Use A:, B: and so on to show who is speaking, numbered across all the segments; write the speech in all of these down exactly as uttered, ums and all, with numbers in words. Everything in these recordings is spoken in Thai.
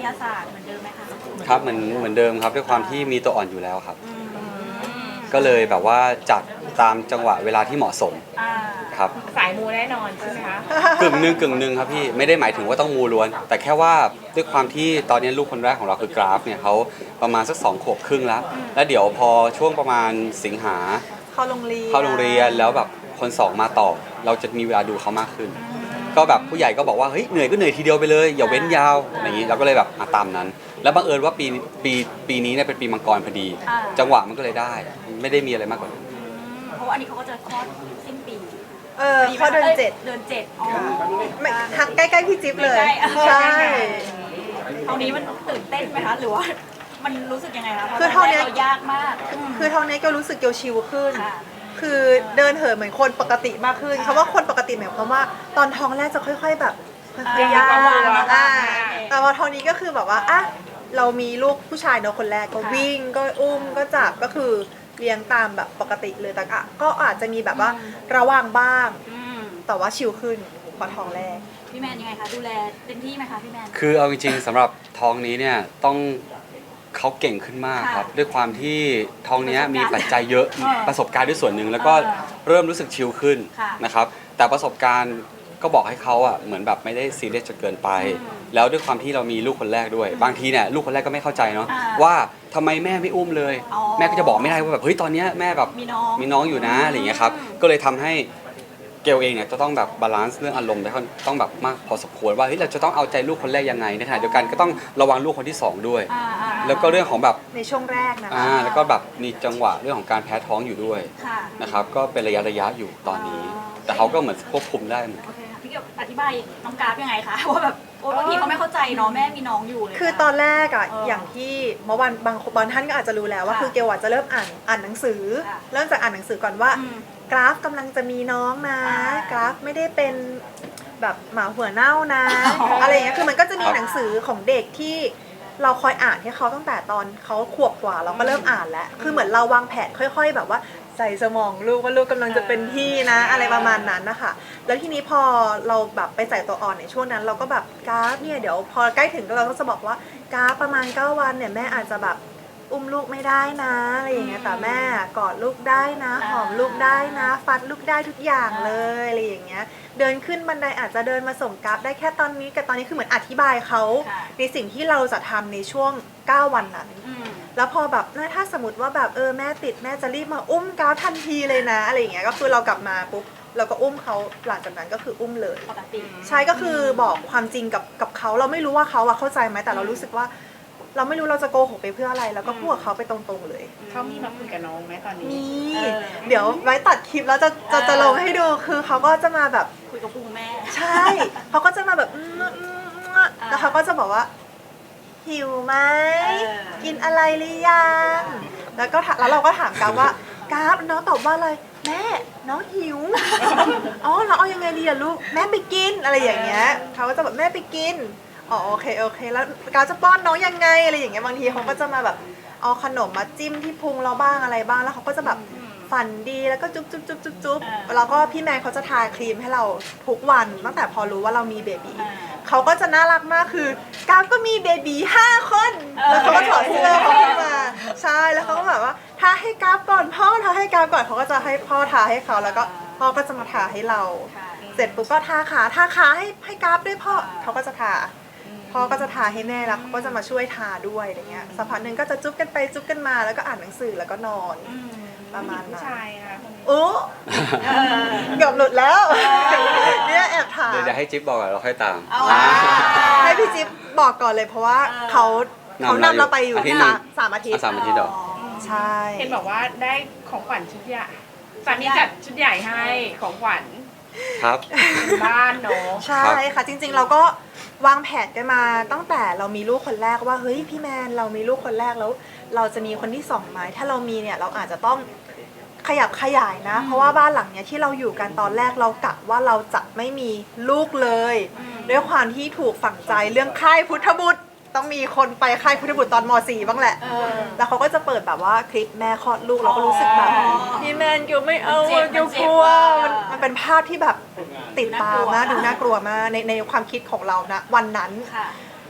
A: ยาศาสตร์เหมือนเดิมไหมคะ
B: ครับเหมือนเหมือนเดิมครับด้วยความที่มีตัวอ่อนอยู่แล้วครับก็เลยแบบว่าจัดตามจังหวะเวลาที่เหมาะสมครับ
C: สายมูแน่นอนใช่ไหมคะ
B: กึ่งหนึ่งกึ่งหนึ่งครับพี่ไม่ได้หมายถึงว่าต้องมูล้วนแต่แค่ว่าด้วยความที่ตอนนี้ลูกคนแรกของเราคือกราฟเนี่ยเขาประมาณสักสองขวบครึ่งแล้วแล้วเดี๋ยวพอช่วงประมาณสิงหา
D: เข้าโรงเรียน
B: เข้าโรงเรียนแล้วแบบคนสองมาต่อเราจะมีเวลาดูเขามากขึ้นก็แบบผู้ใหญ่ก็บอกว่าเฮ้ยเหนื่อยก็เหนื่อยทีเดียวไปเลยอย่าเว้นยาวอย่างนี้เราก็เลยแบบตามนั้น แล้วบังเอิญว่าปีปีปีนี้เนี่ยเป็นปีมังกรพอดี จังหวะมันก็เลยได้ไม่ได้มีอะไรมากกว่านั้น
A: เพราะว่าอันนี้เขาก็จะคลอดสิ้นปี
D: เออเขาเดือนเจ็ด
A: เดือนเจ็ดอ๋อ
D: ทักใกล้ๆพี่จิ๊บเลยใช่
A: ตรงนี้มันตื่นเต้นไหมคะหรือว่ามันรู้สึกยังไงคะคือท้องนี้ยากมาก
D: คือท้องนี้ก็รู้สึกเกียวชิวขึ้นคือเดินเหินเหมือนคนปกติมากขึ้นคำว่าคนปกติหมายความว่าตอนท้องแรกจะค่อยๆแบบค่อยๆยากอ่าแต่พอท้องนี้ก็คือแบบว่าอ่ะเรามีลูกผู้ชายเนาะคนแรกก็วิ่งก็อุ้มก็จับก็คือเลี้ยงตามแบบปกติเลยแต่ก็อาจจะมีแบบว่าระวังบ้างแต่ว่าชิลขึ้นพอท้องแรก
A: พี่แมนยังไงคะดูแลเต็มที่ไหมคะพี่แมน
B: คือเอาจริงๆสำหรับท้องนี้เนี่ยต้องเขาเก่งขึ้นมากครับด้วยความที่ท้องนี้มีปัจจัยเยอะประสบการณ์ด้วยส่วนหนึ่งแล้วก็เริ่มรู้สึกชิลขึ้นนะครับแต่ประสบการณ์ก็บอกให้เขาอ่ะเหมือนแบบไม่ได้ซีเรียสจนเกินไปแล้วด้วยความที่เรามีลูกคนแรกด้วยบางทีเนี่ยลูกคนแรกก็ไม่เข้าใจเนาะว่าทำไมแม่ไม่อุ้มเลยแม่ก็จะบอกไม่ได้ว่าแบบเฮ้ยตอนนี้แม่แบบมีน้องอยู่นะอะไรอย่างเงี้ยครับก็เลยทำให้เกลเองเนี่ยจะต้องแบบบาลานซ์เรื่องอารมณ์ได้ต้องแบบมากพอสมควรว่าเฮ้ยเราจะต้องเอาใจลูกคนแรกยังไงในขณะเดียวกันก็ต้องระวังลูกคนที่สองด้วยแล้วก็เรื่องของแบบ
D: ในช่วงแรกนะ
B: อ่าแล้วก็แบบมีจังหวะเรื่องของการแพ้ท้องอยู่ด้วยนะครับก็เป็นระยะระยะอยู่ตอนนี้แต่เขาก็เหมือนควบคุมได้เหมือน
A: พี่เกียวอธิบายน้องกราฟยังไงคะว่าแบบโอ้บางทีเขาไม่เข้าใจเนาะแม่มีน้องอยู่เลย
D: คือตอนแรกอ่ะอย่างที่เมื่อวันบางบางท่านก็อาจจะรู้แล้วว่าคือเกลจะเริ่มอ่านอ่านหนังสือเริ่มจากอ่านหนังสือก่อนว่ากราฟกำลังจะมีน้องนะกราฟไม่ได้เป็นแบบหมาหัวเน่านะอะไรอย่างเงี้ยคือมันก็จะมีหนังสือของเด็กที่เราคอยอ่านให้เขาตั้งแต่ตอนเขาขวบกว่าเราก็เริ่มอ่านแล้วคือเหมือนเราวางแผนค่อยๆแบบว่าใส่สมองลูกว่าลูกกำลังจะเป็นพี่นะอะไรประมาณนั้นนะคะแล้วทีนี้พอเราแบบไปใส่ตัวอ่อนในช่วงนั้นเราก็แบบกราฟเนี่ยเดี๋ยวพอใกล้ถึงเราก็จะบอกว่ากราฟประมาณเก้าวันเนี่ยแม่อาจจะแบบอุ้มลูกไม่ได้นะอะไรอย่างเงี้ยแต่แม่กอดลูกได้นะหอมลูกได้นะฟัดลูกได้ทุกอย่างเลยอะไรอย่างเงี้ยเดินขึ้นบันไดอาจจะเดินมาส่งกราฟได้แค่ตอนนี้กับตอนนี้คือเหมือนอธิบายเขาในสิ่งที่เราจะทำในช่วงเก้าวันนั้นแล้วพอแบบถ้าสมมติว่าแบบเออแม่ติดแม่จะรีบมาอุ้มกราฟทันทีเลยนะอะไรอย่างเงี้ยก็คือเรากลับมาปุ๊บเราก็อุ้มเขาหลังจากนั้นก็คืออุ้มเลยใช่ก็คือบอกความจริงกับกับเขาเราไม่รู้ว่าเขาอะเข้าใจไหมแต่เรารู้สึกว่าเราไม่รู้เราจะโกหกไปเพื่ออะไรแล้วก็พูดกับเขาไปตรงๆเลย
C: เขามีมาคุยกับน้องไหมตอนนี้
D: มีเดี๋ยวไว้ตัดคลิปแล้วจะจะจะลงให้ดูคือเขาก็จะมาแบบ
A: คุยกับปู่แม่
D: ใช่เขาก็จะมาแบบแล้วเขาก็จะบอกว่าหิวไหมกินอะไรหรือยังแล้วก็แล้วเราก็ถามกราฟว่ากราฟน้องตอบว่าอะไรแม่น้องหิวอ๋อเราเอายังไงดีอะลูกแม่ไปกินอะไรอย่างเงี้ยเขาก็จะแบบแม่ไปกินอ๋อโอเคโอเคแล้วกราฟจะป้อนน้องยังไงอะไรอย่างเงี้ยบางทีเขาก็จะมาแบบเอาขนมมาจิ้มที่พุงเราบ้างอะไรบ้างแล้วเขาก็จะแบบฝันดีแล้วก็จุ๊บจุ๊บจุ๊บจุ๊บจุ๊บแล้วก็พี่แมนเขาจะทาครีมให้เราทุกวันตั้งแต่พอรู้ว่าเรามีเบบีเขาก็จะน่ารักมากคือกราฟก็มีเบบีห้าคนแล้วเขาก็ถอดเสื้อเขาขึ้นมาใช่แล้วเขาก็แบบว่าทาให้กราฟก่อนพ่อทาให้กราฟก่อนเขาก็จะให้พ่อทาให้เขาแล้วก็พ่อก็จะมาทาให้เราเสร็จปุ๊บก็ทาขาทาขาให้ให้กราฟด้วยพ่อเขาก็จะทาพ่อก็จะทาให้แม่แล้วเขาก็จะมาช่วยทาด้วยอะไรเงี้ยสักพักหนึ่งก็จะจุ๊บกันไปจุ๊บกันมาแล้วก็อ่านหนังสือแล้วก็นอนประมาณนั้น
C: ใช่ค่ะ
D: โอ้เกือบหลุดแล้วเนี่ยแอบถาม
B: เดี๋ยวให้จิ๊บบอกก่อนเราค่อยตาม
D: ให้พี่จิ๊บบอกก่อนเลยเพราะว่าเขาเขานำเราไปอยู่สามสามอาทิตย์
B: สามอาทิตย์หรอ
D: ใช่
C: เห็นบอกว่าได้ของขวัญชุดใหญ่สามีจัดชุดใหญ่ให้ของขวัญ
B: ครับ
C: บ้านเนาะ
D: ใช่ค่ะจริงๆเราก็วางแผนกันมาตั้งแต่เรามีลูกคนแรกว่าเฮ้ยพี่แมนเรามีลูกคนแรกแล้วเราจะมีคนที่สองไหมถ้าเรามีเนี่ยเราอาจจะต้องขยับขยายนะเพราะว่าบ้านหลังเนี้ยที่เราอยู่กันตอนแรกเรากะว่าเราจะไม่มีลูกเลยด้วยความที่ถูกฝังใจเรื่องค่ายพุทธบุตรต้องมีคนไปค่ายพุทธบุตรตอนม .สี่ บ้างแหละแล้วเขาก็จะเปิดแบบว่าคลิปแม่คลอดลูกเราก็รู้สึกแบบพี่แมนเกี่ยวไม่เอาเกี่ยวกลัวมันมันเป็นภาพที่แบบติดตามากดูน่ากลัวมากในในความคิดของเรานะวันนั้น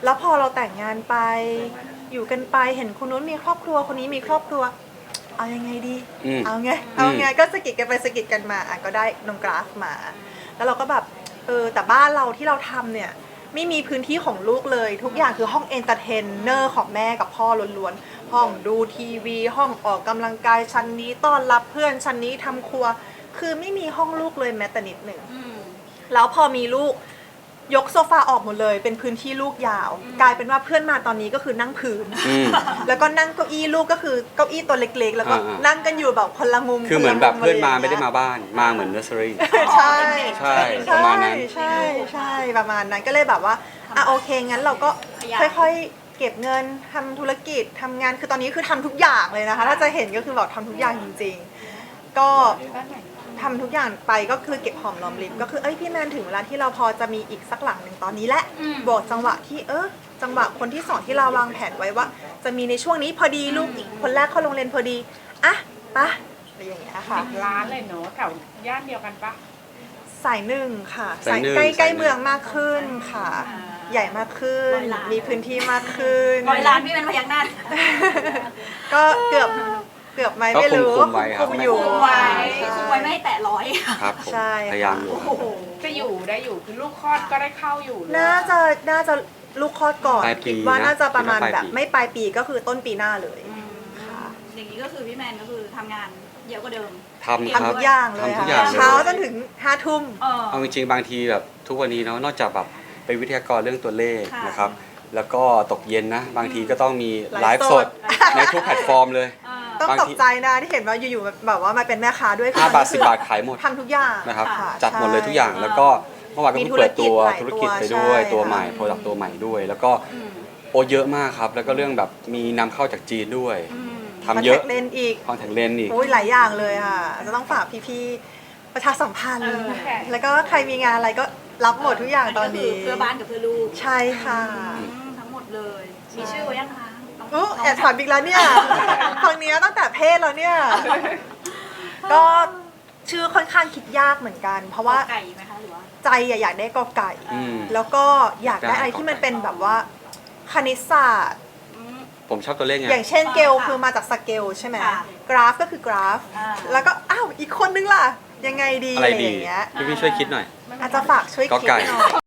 D: แล้วพอเราแต่งงานไปอยู่กันไปเห็นคนนู้นมีครอบครัวคนนี้มีครอบครัว เอายังไงดี
B: อืม
D: เอาไงเอาไงก็สะกิดกันไปสะกิดกันมาอ่ะก็ได้น้องกราฟมา แล้วเราก็แบบเออแต่บ้านเราที่เราทำเนี่ยไม่มีพื้นที่ของลูกเลยทุกอย่างคือห้องเอนเตอร์เทนเนอร์ของแม่กับพ่อล้วนๆห้องดูทีวีห้องออกกำลังกายชั้นนี้ต้อนรับเพื่อนชั้นนี้ทำครัว คือไม่มีห้องลูกเลยแม้แต่นิดหนึ่ง
A: อืม
D: แล้วพอมีลูกยกโซฟาออกหมดเลยเป็นพื้นที่ลูกยาว กลายเป็นว่าเพื่อนมาตอนนี้ก็คือนั่งพื้น
B: อืม
D: แล้วก็นั่งเก้าอี้ลูกก็คือเก้าอี้ตัวเล็กๆ แล้วก็
B: อ่าๆ
D: นั่งกันอยู่แบบคนละมุม
B: คือเหมือนแบบ
D: คละ
B: เพื่อนมา
D: ะรย่งงี้ย
B: ไม่ได้มาบ้านมาเหมือนเนอร์เซอรี่
D: ใช่
B: ใช่ประมาณนั้น
D: ใช่ใช่ประมาณนั้นก็เลยแบบว่าอ่ะโอเคงั้นเราก็
A: ขยัน
D: ค่อยๆเก็บเงินทำธุรกิจทำงานคือตอนนี้คือทำทุกอย่างเลยนะคะ ถ้าจะเห็นก็คือแบบทำทุกอย่างจริงๆ ก็ทำทุกอย่างไปก็คือเก็บหอมรอมริบก็คือเอ้ยพี่แมนถึงเวลาที่เราพอจะมีอีกสักหลังหนึ่งตอนนี้แหละ
A: อืม
D: บอกจังหวะที่เออจังหวะคนที่สองที่เราวางแผนไว้ว่า จะมีในช่วงนี้พอดีลูกอีกคนแรกเข้าโรงเรียนพอดีอ่ะปะอะไรอย่างเงี้ยค่ะ
C: ร้านเลยเนาะแถวย่านเดียวกันปะ
D: สายหนึ่งค่ะ
B: สายหนึ่ง
D: ใกล้ใกล้
B: สายหนึ่ง
D: เมืองมากขึ้นค่ะ
A: อ่า
D: ใหญ่มากขึ้น
A: ร้อยล้าน
D: มีพื้นที่มากขึ้น
A: ร้อยล้านพี่เป็นพยักหน้า
D: ก็เกือบเกือบไหม
B: ก็
D: ไม่รู้
B: คุมๆไว้ครับ
D: คุมอยู่
A: คุมไว้
D: ใช่
A: คุมไว้ไม่ให้แตะร้อย
B: ครับผม
D: ใช่
B: พยายามอยู่ครับ
A: โอ้โห
C: จะอยู่ได้อยู่คือลูกคลอดก็ได้เข้าอยู่เลย
D: น่าจะน่าจะลูกคลอดก่อน
B: ปลายปี
D: คิดว่า
B: นะ
D: น่าจะประมาณ
B: คิดว่าปลาย
D: แบบ
B: ปี
D: ไม่ปลายปีก็คือต้นปีหน้าเลย
A: อืม
D: ค่ะ
A: อย่างนี้ก็คือพี่แมนก็คือทำงานเยอะกว่าเดิม
B: ทำครั
D: ทำ
B: บ
D: ทุกอย่างเลย
B: ทำทุ
D: ค่ะ
B: กอย่างเลย
D: เช้าจนถึงห้าทุ่ม
A: เออ
B: เอาจริงๆบางทีแบบทุกวันนี้เนาะนอกจากแบบเป็นวิทยากรเรื่องตัวเลข
A: ค่ะ
B: นะครับ แล้วก็ตกเย็นนะ บางทีก็ต้องมีไล
D: ไลฟ์
B: ฟ์
D: ส
B: ส
D: ด
B: ดในทุกแพลตฟอร์มเลย
A: เออ
D: ต้อง
B: บาง
D: ต
B: ที
D: กใจนะที่เห็นว่าอยู่ๆแบบว่ามาเป็นแม่ค้าด้วย
B: ห้าบาท
D: คือ
B: สิบบาทขายหมด
D: ทำทุกอย่าง
B: นะครับ
D: ค่ะ
B: จัดหมดเลยทุกอย่าง
D: ใช่
B: แล้วก็เมื่อวานก็เพิ่งเปิดตัว
D: มีธุ
B: ธุ
D: ร
B: ร
D: กิ
B: กิ
D: จ
B: จ
D: หลาย
B: ไปด้วย
D: ตัว
B: ตัวใหม่
D: ใช่
B: โปรดักตัวใหม่ด้วย แล้วก็
A: อืม
B: โอเยอะมากครับ แล้วก็เรื่องแบบมีนำเข้าจากจีนด้วย
A: อืม
B: ทำเยอะ
D: คอนแทคเลนส์อีก
B: คอนแทคเลนส์อีก
D: โอ้ยหลายอย่างเลยค่ะ จะต้องฝากพี่ๆประชาสัมพันธ์
A: เออ
D: แล้วก็ใครมีงานอะไรก็รับหมดทุกอย่างตอนนี้
A: ก็คืเพื่อบ้านกับเพื่อลูก
D: ใช่ค่ะ
A: อืมทั้งหมดเลย มีชื่อไว้ยังคะน้อง
D: อู้
A: น้ง
D: แอบถามอีกแล้วเนี่ยฟังเนี้ยตั้งแต่เพศแล้วเนี่ย ก็ชื่อค่อนข้างคิดยากเหมือนกัน เพราะว่า
A: ไก่ไหมคะหรือว่า
D: ใจอะอยากได้กอไก่
B: อืม
D: แล้วก็อยากได้อะไรที่มันเป็นแบบว่าคณิตศาสตร์
A: อืม
B: ผมชอบตัวเลขไง
D: อย่างเช่นเกล
A: ค่ะ
D: คือมาจากสเกลใช่ไหม
A: ค่ะ
D: กราฟก็คือกราฟ
A: อ่า
D: แล้วก็อ้าวอีกคนนึงล่ะ ยังไงดี
B: อะไร
D: อะไรอ
B: ดี
D: ย่างเงี้ย
B: พี่พี่ช่วยคิดหน่อย
D: อาจจะฝากช่วย
B: กอ
D: คิด
B: ไก่
D: หน่อย